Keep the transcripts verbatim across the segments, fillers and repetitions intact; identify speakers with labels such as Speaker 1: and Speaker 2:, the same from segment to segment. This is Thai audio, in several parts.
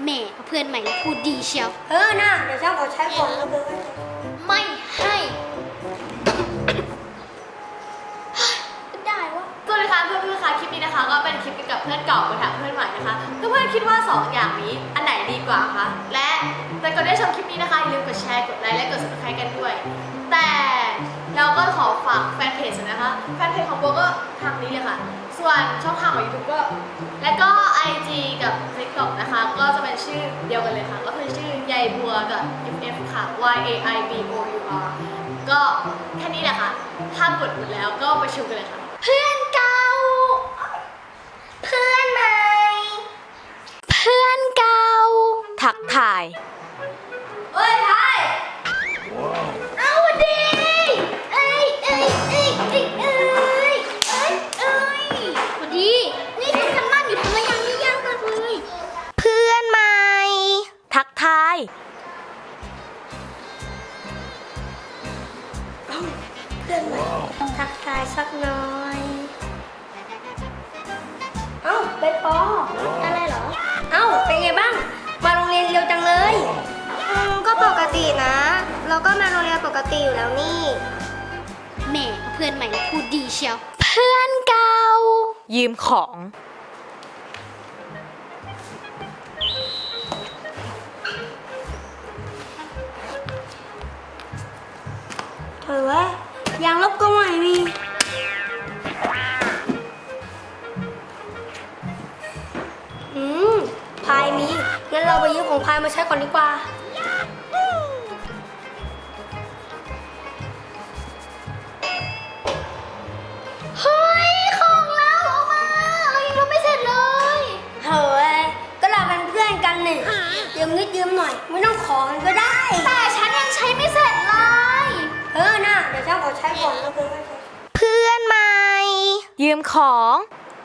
Speaker 1: แหม่เพื่อนใหม่พูดดีเชียว
Speaker 2: เออน่าเดี๋ยวฉันขอใช้ก่อนแล้วเบอร์
Speaker 1: ไม่ให้ได้วะ
Speaker 3: สวัสดีค่ะเพื่อนเพื่อนๆค่ะคลิปนี้นะคะก็เป็นคลิปเกี่ยวกับเพื่อนเก่าไปถามเพื่อนใหม่นะคะเพื่อนๆคิดว่าสองอย่างนี้อันไหนดีกว่าคะและแต่ก่อนที่จะชมคลิปนี้นะคะอย่าลืมกดแชร์กดไลค์และกด ซับสไครบ์ กันด้วยแต่เราก็ขอฝากแฟนเพจนะคะแฟนเพจของโบก็ทางนี้เลยค่ะส่วนช่องทางของ ยูทูบ ก็และก็ ไอ จี กับ ติ๊กต็อก นะคะก็จะเป็นชื่อเดียวกันเลยค่ะก็คือชื่อใยบัวกับ เอฟ เอฟ ค่ะ Y A I B O U R ก็แค่นี้แหละค่ะถ้ากดหมดแล้วก็ไปชมกันเลยค่ะ
Speaker 1: เพื่อนเก่าเพื่อนใหม่เพื่อนเก่า
Speaker 3: ทักทาย
Speaker 2: เอ้ยไทย
Speaker 1: เอาดีเอ้ยเอ้ยเอ้ยเอ้ยเอ้ยเอ้ยเอ้ยพอดีนี่ฉันทำบ้านอยู่ทำไมยังไม่ย่างกันเลยเพื่อนใหม่
Speaker 3: ทักทาย
Speaker 2: เพื่อนใหม่ทักทายสักหน่อยเอ้าเป็นปอ
Speaker 1: อะไรเหรอ
Speaker 2: เอ้าเป็นไงบ้างมาโรงเรียนเร็วจังเลย
Speaker 1: อืมก็ปกตินะเราก็มาโรงเรียนปกติอยู่แล้วนี่แหม่เพื่อนใหม่พูดดีเชียวเพื่อนเก่า
Speaker 3: ยืมของ
Speaker 2: เธอวะยางลบก็ไม่มีอืมพายมีงั้นเราไปยืมของพายมาใช้ก่อนดีกว่า
Speaker 1: เฮ้ยของเราเอามาเรายังทำไม่เสร็จเลย
Speaker 2: เฮ้ยก็เราเป็นเพื่อนกันนี่ยืมนิดยืมหน่อยไม่ต้องขอกันก็ได้
Speaker 1: แต่ฉันยังใช้ไม่เสร็จเลย
Speaker 2: เออน่ะเดี๋ยวฉันขอใช้ก่อนแล้วเพื่อน
Speaker 1: เพื่อนใหม่
Speaker 3: ยืมของ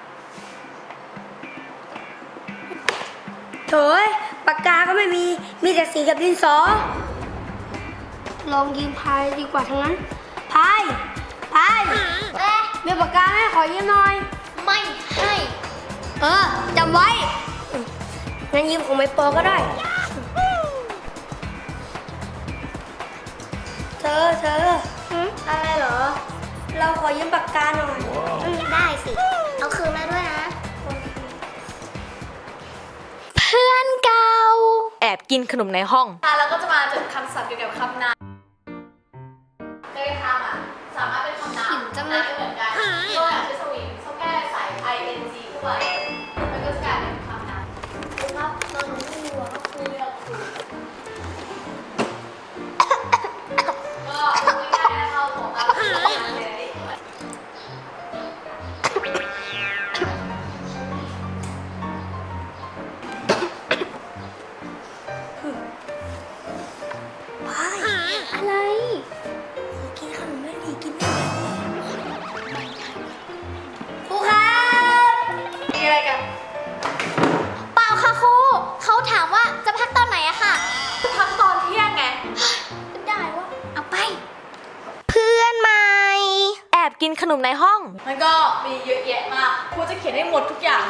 Speaker 2: โถยปากกาก็ไม่มีมีแต่สีกับดินสอลองยืมพายดีกว่าทั้งนั้นพายพาย
Speaker 1: เอ๊ะ
Speaker 2: มีปากกาไหมขอยืมหน่อย
Speaker 1: ไม่ให้
Speaker 2: เออจำไว้งั้นยืมของไมปอก็ได้เธอเธอ
Speaker 1: อะไรเหรอ
Speaker 2: เราขอยืมปากกาหน่อย
Speaker 1: อืมได้สิเอาคืนมาด้วยนะเพื่อนเก่า
Speaker 3: แอบกินขนมในห้องค่ะแล้วก็จะมาจดคำศัพท์เกี่ยวกับคำนามโดยคำอ่ะสามารถเป็นคำนามได้เหมือนกันตัวอย่างที่สวิงชอบแก้ใส่ ไอ เอ็น จี ด้วยมันก็จะกลายเป็นคำนามครับเราหนูไม่รู้ว่าคือเลือกคือก็ง่ายๆนะคะของอะไรเลย
Speaker 1: อะไร
Speaker 2: กินขนมไม่ดีกินไม่ได้ครูครับ
Speaker 3: มีอะไรกัน
Speaker 1: เปล่าค่ะครูเขาถามว่าจะพักตอนไหนอะค่ะ
Speaker 3: พักตอนเที่ยงไง
Speaker 1: ได้วะเอาไปเพื่อนใหม่
Speaker 3: แอบกินขนมในห้องมันก็มีเยอะแยะมากครูจะเขียนให้หมดทุกอย่าง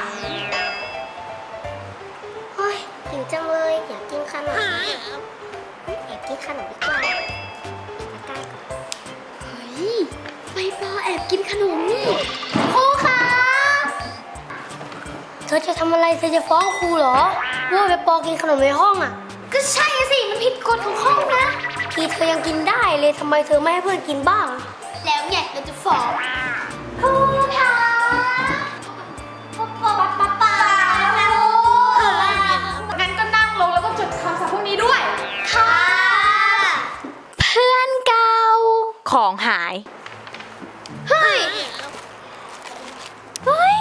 Speaker 1: เฮ้ยหิวจังเลยอยากกินขนมแอบกินขนมดีกว่าใกล้ก่อนเฮ้ยใบปอแอบกินขนมนี่ครูคะ
Speaker 2: เธอจะทำอะไรเธอจะฟ้องครูเหรอว่าไปปอกินขนมในห้องอ่ะ
Speaker 1: ก็ใช่สิมันผิดกฎของห้องนะ
Speaker 2: ทีเธอยังกินได้เลยทำไมเธอไม่ให้เพื่อนกินบ้าง
Speaker 1: แล้วเนี่ยเราจะฟ้องครูคะป๊าป๊าป๊าป๊า
Speaker 3: งั้นก็นั่งลงแล้วก็จดคำศัพท์พวกนี้ด้วย
Speaker 1: ค่ะเพื่อนเก่า
Speaker 3: ของหาย
Speaker 1: เฮ้ยเฮ้ย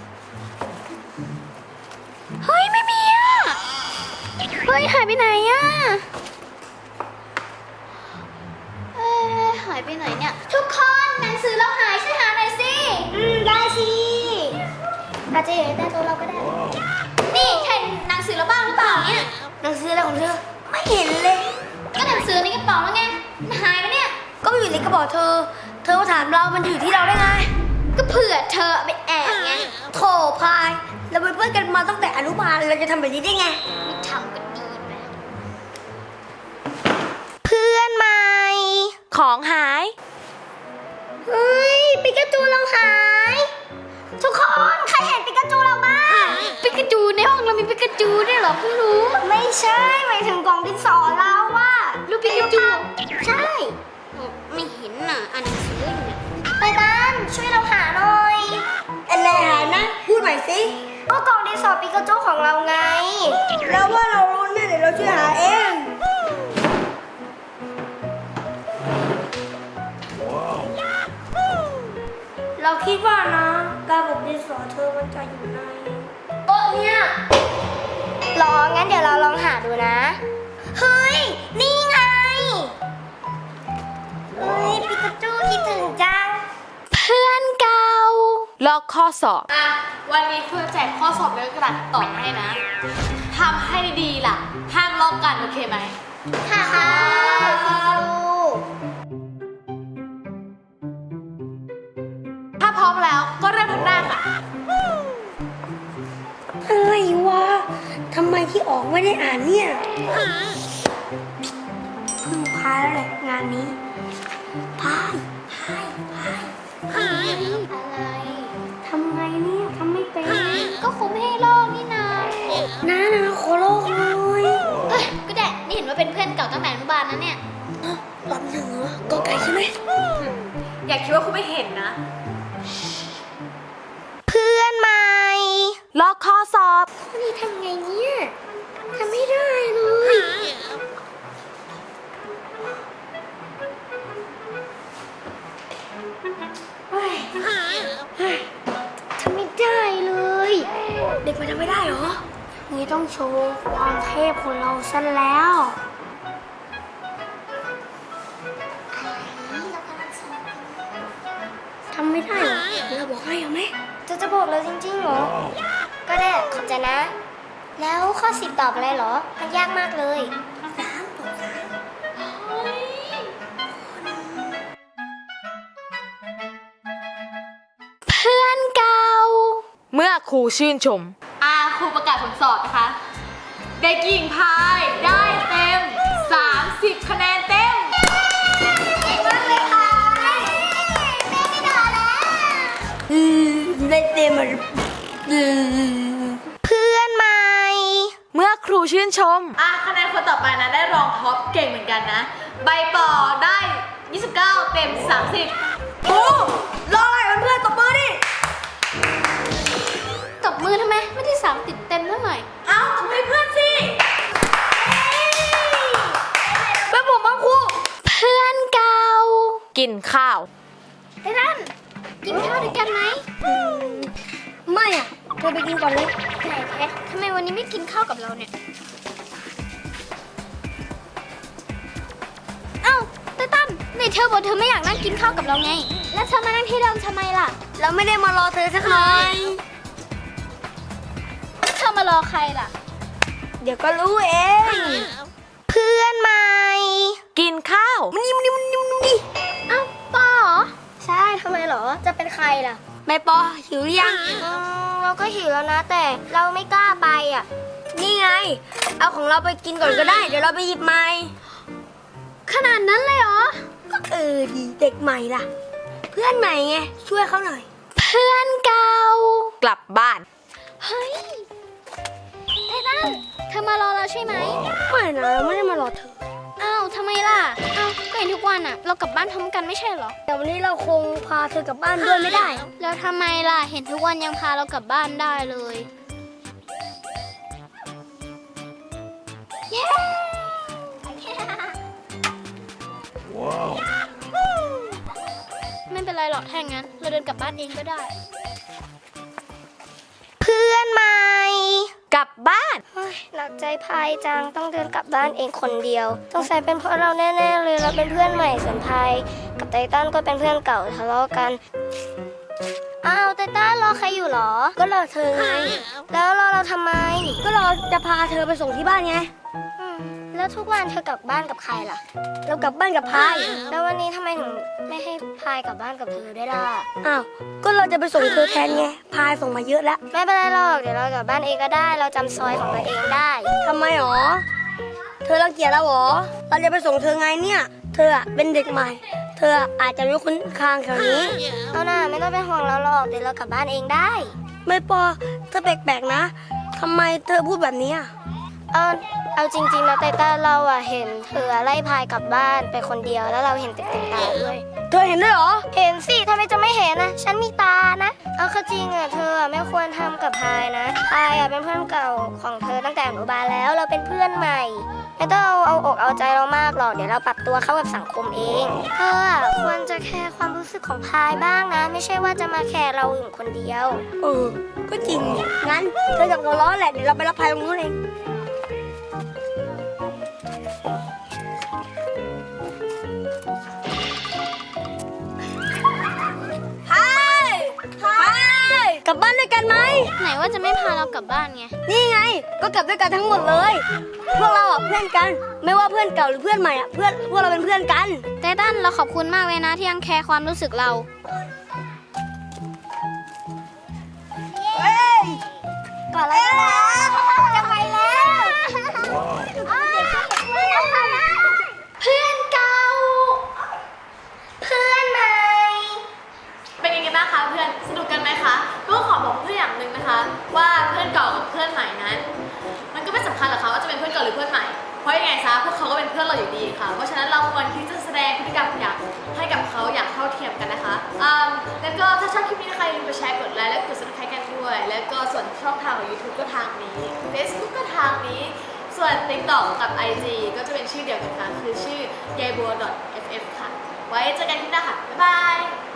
Speaker 1: เฮ้ยไม่มีอ่ะเฮ้ยหายไปไหนอ่ะเอ๊ะหายไปไหนเนี่ยทุกคนหนังสือเราหายช่วยหาหน่อยสิ
Speaker 2: อืมได้สิ
Speaker 1: อาจจะอยู่ในใต้โต๊ะเราก็ได้นี่เห็นหนังสือเราบ้างหรือเปล่าเนี่ย
Speaker 2: หนังสืออะไรของเธอไม่เห็นเลย
Speaker 1: ก็หนังสือในกระเป๋าแล้วไงหายไปเนี่ย
Speaker 2: ก็อยู่ในกระเป๋าเธอเธอมาถามเรามันอยู่ที่เราได้ไง
Speaker 1: ก็เผื่อเธอไปแอบไง
Speaker 2: โถพายเราเป็นเพื่อนกันมาตั้งแต่อนุบาลเราจะทำแบบนี้ได้ไง
Speaker 1: ไม่ทำ
Speaker 3: ของหาย
Speaker 1: เฮ้ยปิกาจูเราหาย ทุกคนใครเห็นปิกาจูเราบ้างปิกาจูในห้องเรามีปิกาจูด้วยเหรอเพิ่งรู้ไม่ใช่หมายถึงกล่องดินสอเราว่ารูปปิกาจูใช่ไม่เห็นน่ะอ่านหนังสืออยู่เนี่ยไปบ้านช่วยเราหาหน่อย
Speaker 2: อะไรหานะ พูดใหม่สิ
Speaker 1: ก็กล่องดินสอปิกาจูของเราไง
Speaker 2: เราว่าเรารู้แน่เดี๋ยวเราช่วยหาเองเราคิดว่านะกระบอกดินสอเธอมันจะอยู่ใน
Speaker 1: โต๊ะเนี่ยรองั้นเดี๋ยวเราลองหาดูนะ เฮ้ย นี่ไง เฮ้ยปิกาจูคิดถึงจัง เพื่อนเก่า
Speaker 3: ลอกข้อสอบ อ่ะ วันนี้เพื่อแจกข้อสอบในกระดาษต่อให้นะ ทำให้ดีๆล่ะ ห้ามลอกกันโอเคไหม
Speaker 1: ค่ะค่ะครู
Speaker 3: ถ้าพร้อมแล้วก็เริ่มทำหน้าค่ะ
Speaker 2: อะไรวะทำไมที่ออกไม่ได้อ่านเนี่ยเพิ่งพายแล้วแหละงานนี้พายพายพาย
Speaker 1: อะไร
Speaker 2: ทำไงเนี่ยทำไม่เป็น
Speaker 1: ก็ครูไม่ให้ลอกนี่นา
Speaker 2: น้านะขอโลกเลย
Speaker 1: เอ้ยก็ได้ นี่เห็นว่าเป็นเพื่อนเก่าตั้งแต่อนุบาลนะเนี่ย
Speaker 2: ลำหนึ่งเหรอก็ไก่ใช่ไหม
Speaker 3: อย่าคิดว่าคุณไม่เห็นนะ
Speaker 1: เพื่อนใหม่
Speaker 3: ลอกข้อสอบ
Speaker 1: นี่ทำไงเนี่ยทำไม่ได้เลย
Speaker 2: เฮ้ย
Speaker 1: ทำไม่ได้เลย
Speaker 2: เด็กมันทำไม่ได้เหรอนี่ต้องโชว์ความเทพของเราซะแล้วทำไม่ได้เหรอเราบอกให้เอาไหม
Speaker 1: จะจะบอกเราจริงๆเหรอ ก็ได้ขอบใจนะ แล้วข้อสิบตอบอะไรเหรอ มันยากมากเลย
Speaker 2: สามต่อสาม
Speaker 1: เพื่อนเก่า
Speaker 3: เมื่อครูชื่นชม อาครูประกาศผลสอบนะคะ เด็กหญิงพายได้เต็ม สามสิบ คะแนนเต็ม
Speaker 1: เก่งมากเลยค่ะแม่ไม่ด่าแล้ว
Speaker 2: อืมได้เต็มอ่ะอืม
Speaker 1: เพื่อนใหม่
Speaker 3: เมื่อครูชื่นชม อ่ะคะแนนคนต่อไปนะได้รองท็อปเก่งเหมือนกันนะ ใบปอได้ ยี่สิบเก้า เต็ม สามสิบ
Speaker 2: โอ้รออะไรเพื่อนๆตบมือดิ
Speaker 1: ตบมือทำไม ไม่ได้สามติดเต็มเท่าไหร่
Speaker 3: เอ้าทำให้เพื่อนสิ
Speaker 2: เป็นผมบ้างครู
Speaker 1: เพื่อนเก่า
Speaker 3: กินข้าว
Speaker 1: ไอ้นั่นกินข้าวด้วยกันไหม
Speaker 2: ไม่อ่ะเธอไปกินก่อนเลย
Speaker 1: ไหนแท้ทำไมวันนี้ไม่กินข้าวกับเราเนี่ย เอ้าไตตันไหนเธอบอกเธอไม่อยากนั่งกินข้าวกับเราไง แล้วเธอมานั่งที่เดิมทำไมล่ะ
Speaker 2: เราไม่ได้มารอเธอสักหน่อย
Speaker 1: เธอมารอใครล่ะ
Speaker 2: เดี๋ยวก็รู้เอง
Speaker 1: เพื่อนใหม่
Speaker 3: กินข้าว
Speaker 2: มันนี่มันนี่มันนี่มันนี่
Speaker 1: เอ้าปอเหรอ ใช่ทำไมเหรอ จะเป็นใครล่ะ
Speaker 2: ไม่ปอหิวหรือยัง
Speaker 1: อืมเราก็หิวแล้วนะ แต่เราไม่กล้าไปอ่ะ
Speaker 2: นี่ไง เอาของเราไปกินก่อนก็ได้ เดี๋ยวเราไปหยิบใหม่
Speaker 1: ขนาดนั้นเลยเหรอ
Speaker 2: ก็เออดีเด็กใหม่ล่ะ เพื่อนใหม่ไง ช่วยเขาหน่อย
Speaker 1: เพื่อนเก่า
Speaker 3: กลับบ้าน
Speaker 1: เฮ้ยไอ้ตั้นเธอมารอเราใช่ไหม
Speaker 2: ไม่นะเราไม่ได้มารอเธอ
Speaker 1: อ้าวทำไมล่ะ อ้าวก็เห็นทุกวันอ่ะ เรากลับบ้านพร้อมกันไม่ใช่เหรอ
Speaker 2: แต่วันนี้เราคงพาเธอกลับบ้านด้วยไม่ได้
Speaker 1: แล้วทำไมล่ะ เห็นทุกวันยังพาเรากลับบ้านได้เลย เย้ ไม่เป็นไรหรอกถ้าอย่างนั้น เราเดินกลับบ้านเองก็ได้ เพื่อนใหม่
Speaker 3: กลับบ้าน
Speaker 1: หนักใจพายจังต้องเดินกลับบ้านเองคนเดียวต้องใส่เป็นเพราะเราแน่ๆเลยเราเป็นเพื่อนใหม่ส่วนพายกับไตตันก็เป็นเพื่อนเก่าทะเลาะกันอ้าวไตตันรอใครอยู่หรอ
Speaker 2: ก็รอเธอไง
Speaker 1: แล้วรอเราทำไม
Speaker 2: ก็เราจะพาเธอไปส่งที่บ้านไง
Speaker 1: อืมแล้วทุกวันเธอกลับบ้านกับใครล่ะ
Speaker 2: เรากลับบ้านกับพาย
Speaker 1: แล้ววันนี้ทำไมถึงไม่ให้พายกลับบ้านกับเธอได้ล่ะ
Speaker 2: อ้าว ก็เราจะไปส่งเธอแทนไง พายส่งมาเยอะแล้ว
Speaker 1: ไม่เป็นไรหรอกเดี๋ยวเรากลับบ้านเองก็ได้ เราจำซอยของตัวเองได้
Speaker 2: ทำไมหรอ เธอรังเกียจเราหรอ เราจะไปส่งเธอไงเนี่ยเธออะเป็นเด็กใหม่ เธออาจจะไม่คุ้นทางแถวนี้
Speaker 1: เอาหน่าไม่ต้องเป็นห่วงเราหรอกเดี๋ยวเรากลับบ้านเองได้
Speaker 2: ไม่ปอเธอแปลกๆนะทำไมเธอพูดแบบนี้อะ
Speaker 1: เอาเอาจริงๆนะไตต้าเราอะเห็นเธอไล่พายกลับบ้านไปคนเดียวแล้วเราเห็นเต็มๆตาด้วย
Speaker 2: เธอเห็นด้วยเหรอ
Speaker 1: เห็นสิทำไมจะไม่เห็นนะฉันมีตานะเอาเข้าจริงอะเธออะไม่ควรทำกับพายนะพายอะเป็นเพื่อนเก่าของเธอตั้งแต่อนุบาลแล้วเราเป็นเพื่อนใหม่ไม่ต้องเอาเอาอกเอาใจเรามากหรอกเดี๋ยวเราปรับตัวเข้ากับสังคมเองเธออะควรจะแคร์ความรู้สึกของพายบ้างนะ ไม่ใช่ว่าจะมาแคร์เราอยู่คนเดียว
Speaker 2: เออ ก็จริงนี่งั้นเธอจับตัวล้อแหละ เดี๋ยวเราไปรับพายตรงนู้นเองพายพายกลับบ้านด้วยกันไหม
Speaker 1: ไหนว่าจะไม่พาเรากลับบ้านไง
Speaker 2: นี่ไง ก็กลับด้วยกันทั้งหมดเลย พวกเราอ่ะเพื่อนกัน ไม่ว่าเพื่อนเก่าหรือเพื่อนใหม่อ่ะ เพื่อนพวกเราเป็นเพื่อนกัน
Speaker 1: ไตตันเราขอบคุณมากเลยนะที่ยังแคร์ความรู้สึกเรา
Speaker 2: เฮ้ย
Speaker 1: ก่อนแล้วนะจะไปแล้วเพื่อนเก่า เพื่อนใหม่
Speaker 3: เป็นยังไงบ้างคะเพื่อนสนุกกันไหมคะก็ขอบอกเพื่อนอย่างหนึ่งนะคะ ว่าเพื่อนเก่ากับเพื่อนใหม่นั้น มันก็ไม่สำคัญหรอกค่ะว่าจะเป็นเพื่อนเก่าหรือเพื่อนใหม่เพราะยังไงซะพวกเขาก็เป็นเพื่อนเราอยู่ดีค่ะเพราะฉะนั้นเราควรที่จะแสดงพฤติกรรมอย่างให้กับเขาอย่างเท่าเทียมกันนะคะอืมแล้วก็ถ้าชอบคลิปนี้นะคะอย่าลืมกดแชร์กดไลค์และกด ซับสไครบ์ กันด้วย แล้วก็ส่วนช่องทางของ ยูทูบ ก็ทางนี้ เฟซบุ๊ก ก็ทางนี้ ส่วน ติ๊กต็อก กับ ไอ จี ก็จะเป็นชื่อเดียวกันค่ะคือชื่อยายบัว .เอฟ เอฟ ค่ะไว้เจอกันคลิปหน้าค่ะบ๊ายบาย